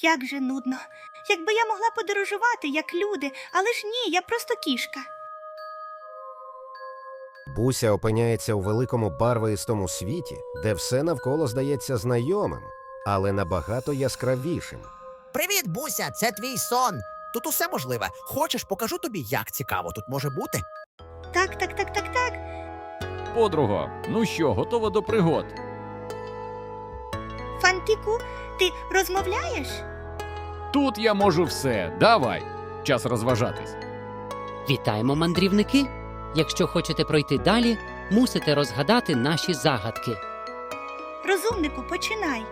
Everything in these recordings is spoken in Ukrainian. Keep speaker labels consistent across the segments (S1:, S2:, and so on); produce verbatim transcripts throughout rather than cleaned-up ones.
S1: Як же нудно. Якби я могла подорожувати, як люди, але ж ні, я просто кішка.
S2: Буся опиняється у великому барвистому світі, де все навколо здається знайомим, але набагато яскравішим.
S3: Привіт, Буся, це твій сон. Тут усе можливе. Хочеш, покажу тобі, як цікаво тут може бути?
S1: Так, так, так, так, так.
S4: Подруго, ну що, готова до пригод?
S1: Фантику, ти розмовляєш?
S4: Тут я можу все. Давай. Час розважатись.
S5: Вітаємо, мандрівники! Якщо хочете пройти далі, мусите розгадати наші загадки.
S1: Розумнику, починай.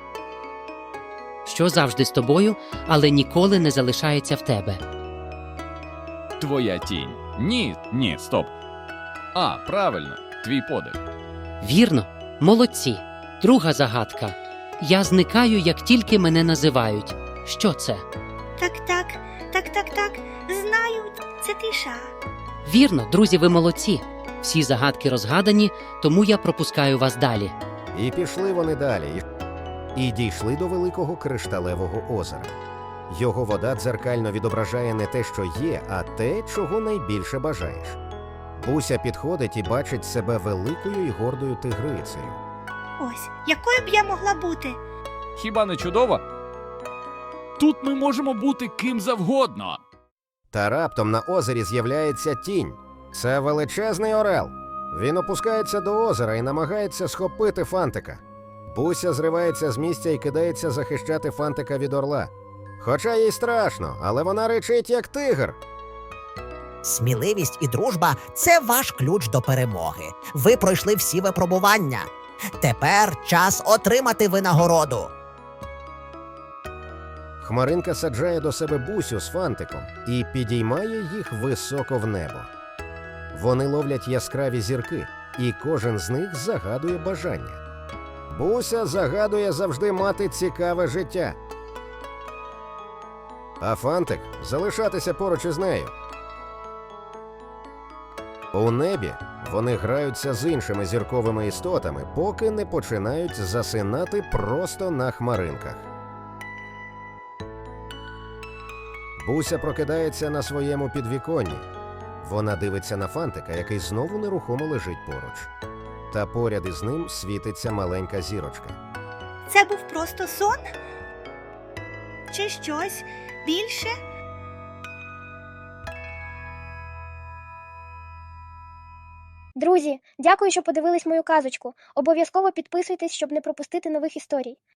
S5: Що завжди з тобою, але ніколи не залишається в тебе.
S4: Твоя тінь. Ні, ні, стоп. А, правильно, твій подих.
S5: Вірно? Молодці! Друга загадка. Я зникаю, як тільки мене називають. Що це?
S1: Так, так, так, так, так. Знаю, це тиша.
S5: Вірно, друзі, ви молодці. Всі загадки розгадані, тому я пропускаю вас далі.
S2: І пішли вони далі, і дійшли до великого кришталевого озера. Його вода дзеркально відображає не те, що є, а те, чого найбільше бажаєш. Буся підходить і бачить себе великою і гордою тигрицею.
S1: Ось, якою б я могла бути?
S4: Хіба не чудово? Тут ми можемо бути ким завгодно.
S2: Та раптом на озері з'являється тінь. Це величезний орел. Він опускається до озера і намагається схопити Фантика. Буся зривається з місця і кидається захищати Фантика від орла. Хоча їй страшно, але вона ричить як тигр.
S3: Сміливість і дружба – це ваш ключ до перемоги. Ви пройшли всі випробування. Тепер час отримати винагороду.
S2: Хмаринка саджає до себе Бусю з Фантиком і підіймає їх високо в небо. Вони ловлять яскраві зірки, і кожен з них загадує бажання. Буся загадує завжди мати цікаве життя. А Фантик – залишатися поруч із нею. У небі вони граються з іншими зірковими істотами, поки не починають засинати просто на хмаринках. Буся прокидається на своєму підвіконні. Вона дивиться на Фантика, який знову нерухомо лежить поруч. Та поряд із ним світиться маленька зірочка.
S1: Це був просто сон? Чи щось більше?
S6: Друзі, дякую, що подивились мою казочку. Обов'язково підписуйтесь, щоб не пропустити нових історій.